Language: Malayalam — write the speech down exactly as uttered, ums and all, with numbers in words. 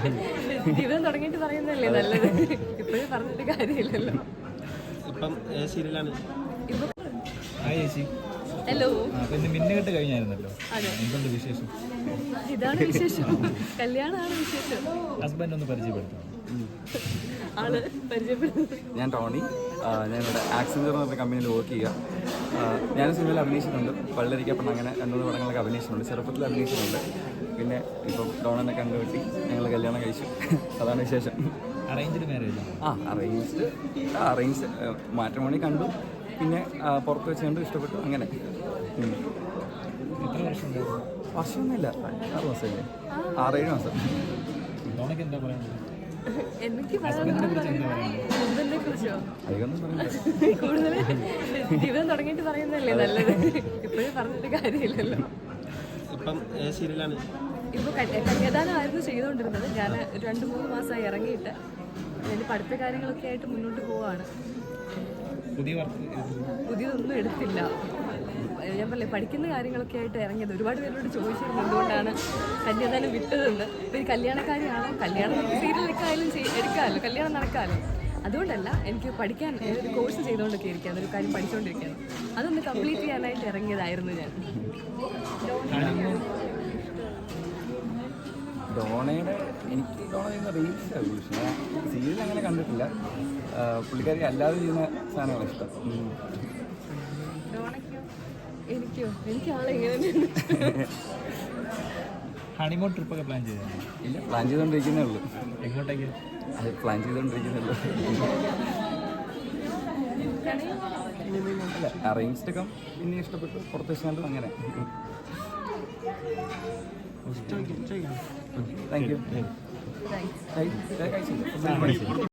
ജീവിതം തുടങ്ങിയിട്ട് പറയുന്നതല്ലേ നല്ലത്. ഇപ്പോഴും പറഞ്ഞിട്ട് കാര്യമില്ലല്ലോ. ഇപ്പം സീരിയലാണ്. ഹലോ, മിന്നുകെട്ട് കഴിഞ്ഞായിരുന്നല്ലോ. അതെ, എന്തുണ്ട് വിശേഷം? ഇതാണ് വിശേഷം. കല്യാണമാണ് വിശേഷം. ഹസ്ബൻഡ് ഒന്ന് പരിചയപ്പെടുത്താം. ആള് പരിചയപ്പെടുന്നത് ഞാൻ ടോണി. ഞാനിവിടെ ആക്സഞ്ചർ എന്ന് പറഞ്ഞ കമ്പനിയിൽ വർക്ക് ചെയ്യുക. ഞാൻ സിനിമയിൽ അഭിനയിച്ചിട്ടുണ്ട്. പള്ളരിക്കപ്പെട്ട് അങ്ങനെ രണ്ടു മൂന്ന് പടങ്ങളൊക്കെ അഭിനയിച്ചിട്ടുണ്ട്. ചെറുപ്പത്തിൽ അഭിനയിച്ചിട്ടുണ്ട്. പിന്നെ ഇപ്പം ഡോണനെ കണ്ടുപിട്ടി ഞങ്ങൾ കല്യാണം കഴിച്ചു. അതാണ് വിശേഷം. Arranged marriage? ആ അറേഞ്ച്ഡ് അറേഞ്ച് മാട്രിമോണി കണ്ടു. പിന്നെ പുറത്ത് വെച്ച് കണ്ടു, ഇഷ്ടപ്പെട്ടു. അങ്ങനെ എത്ര വർഷം ഉണ്ടായിരുന്നു? വർഷമൊന്നുമില്ല, ആറ് മാസമല്ലേ, ആറേഴ് മാസം. ഡോണയ്ക്ക് എന്താ പറയുന്നത്? എനിക്ക് ഹസ്ബൻഡിനെ കുറിച്ച് എന്താ പറയുന്നത്? ഹസ്ബൻഡിനെ കുറിച്ചോ? അധികമൊന്നും പറയുന്നത് കൂടുതൽ ജീവിതം തുടങ്ങിയിട്ട് പറയുന്നതല്ലേ നല്ലത്. ഇപ്പോഴും പറഞ്ഞിട്ട് കാര്യമില്ലല്ലോ. ഇപ്പം സീരിയലാണ്. ഇപ്പോൾ കന്യാദാനമായിരുന്നു ചെയ്തുകൊണ്ടിരുന്നത്. ഞാൻ രണ്ട് മൂന്ന് മാസമായി ഇറങ്ങിയിട്ട് എൻ്റെ പഠിത്ത കാര്യങ്ങളൊക്കെ ആയിട്ട് മുന്നോട്ട് പോവുകയാണ്. പുതിയ വർക്ക് പുതിയതൊന്നും എടുത്തില്ല. ഞാൻ പറയില്ലേ, പഠിക്കുന്ന കാര്യങ്ങളൊക്കെ ആയിട്ട് ഇറങ്ങിയത്. ഒരുപാട് പേരോട് ചോദിച്ചിരുന്നു എന്തുകൊണ്ടാണ് കന്യാദാനം വിട്ടതെന്ന്. ഇപ്പോൾ ഈ കല്യാണക്കാരിയാണോ, കല്യാണം നമുക്ക് സീരിയലൊക്കെ ആയാലും എടുക്കാമല്ലോ, കല്യാണം നടക്കാമല്ലോ. അതുകൊണ്ടല്ല, എനിക്ക് പഠിക്കാൻ ഒരു കോഴ്സ് ചെയ്തുകൊണ്ടൊക്കെ ഇരിക്കുകയാണ്, ഒരു കാര്യം പഠിച്ചുകൊണ്ടിരിക്കുകയാണ്. അതൊന്ന് കംപ്ലീറ്റ് ചെയ്യാനായിട്ട് ഇറങ്ങിയതായിരുന്നു ഞാൻ. ഡോണയുടെ എനിക്ക് ഡോണ ചെയ്യുന്ന റീൽസ് പക്ഷേ സീരിയൽ അങ്ങനെ കണ്ടിട്ടില്ല. പുള്ളിക്കാരി അല്ലാതെ ചെയ്യുന്ന സാധനങ്ങളാണ് ഇഷ്ടം. ഡോണയ്ക്കോ? എനിക്കോ? എനിക്ക് ആളെങ്ങനെ ഹണിമൂൺ ട്രിപ്പൊക്കെ പ്ലാൻ ചെയ്താൽ? ഇല്ല, പ്ലാൻ ചെയ്തുകൊണ്ടിരിക്കുന്നേ ഉള്ളൂ. എങ്ങോട്ടേക്ക്? അത് പ്ലാൻ ചെയ്തുകൊണ്ടിരിക്കുന്നേ ഉള്ളൂ. അല്ല, അറേഞ്ച്ഡ് ഒക്കെ പിന്നെ ഇഷ്ടപ്പെട്ടു, പുറത്ത് വെച്ചാലും അങ്ങനെ. Thank you. താങ്ക്സ്. കഴിച്ചില്ല.